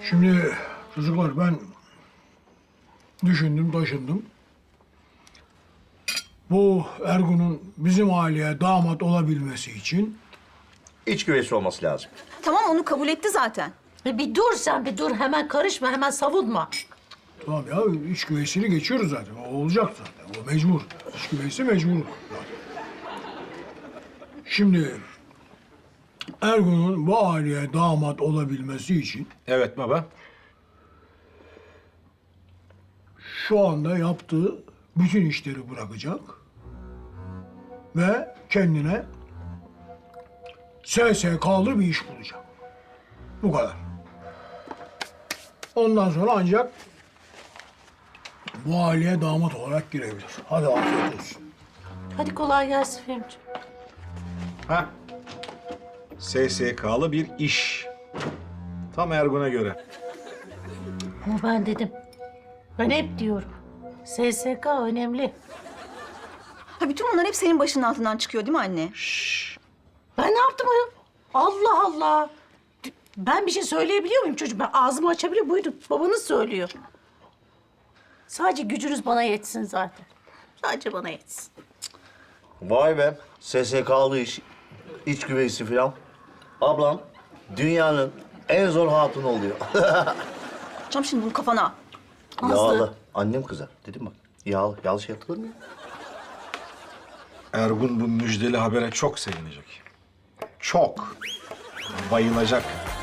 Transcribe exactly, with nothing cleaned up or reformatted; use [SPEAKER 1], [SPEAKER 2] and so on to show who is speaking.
[SPEAKER 1] Şimdi çocuklar ben düşündüm, taşındım. Bu Ergun'un bizim aileye damat olabilmesi için
[SPEAKER 2] İç güveysi olması lazım.
[SPEAKER 3] Tamam onu kabul etti zaten.
[SPEAKER 4] E bir dur sen bir dur. Hemen karışma, hemen savunma.
[SPEAKER 1] tamam ya iç güveysini geçiyoruz zaten. O olacak zaten. O mecbur. İç güveysi mecbur. Şimdi Ergun'un bu aileye damat olabilmesi için
[SPEAKER 5] Evet baba.
[SPEAKER 1] şu anda yaptığı bütün işleri bırakacak ve kendine S S K'lı bir iş bulacak. Bu kadar. Ondan sonra ancak bu aileye damat olarak girebilir. Hadi afiyet olsun.
[SPEAKER 4] Hadi kolay gelsin Fehmiciğim.
[SPEAKER 5] Ha. S S K'lı bir iş. Tam Ergun'a göre.
[SPEAKER 4] Ama ben dedim. Ben hep diyorum. S S K önemli.
[SPEAKER 3] Ha bütün bunlar hep senin başının altından çıkıyor değil mi anne?
[SPEAKER 4] Ben ne yaptım ayol? Allah Allah. Ben bir şey söyleyebiliyor muyum çocuğum? Ben ağzımı açabiliyor Buyurun. Babanız söylüyor. Sadece gücünüz bana yetsin zaten. Sadece bana yetsin.
[SPEAKER 2] Vay be. S S K'lı iş, iç güveysi falan. Ablam dünyanın en zor hatunu oluyor.
[SPEAKER 3] Çam şimdi bunu kafana.
[SPEAKER 2] Yağlı. Annem kızar. Dedim bak. Yağlı. Yağlı şey yapılır mı ya?
[SPEAKER 5] Ergun bu müjdeli habere çok sevinecek. Çok. Bayılacak.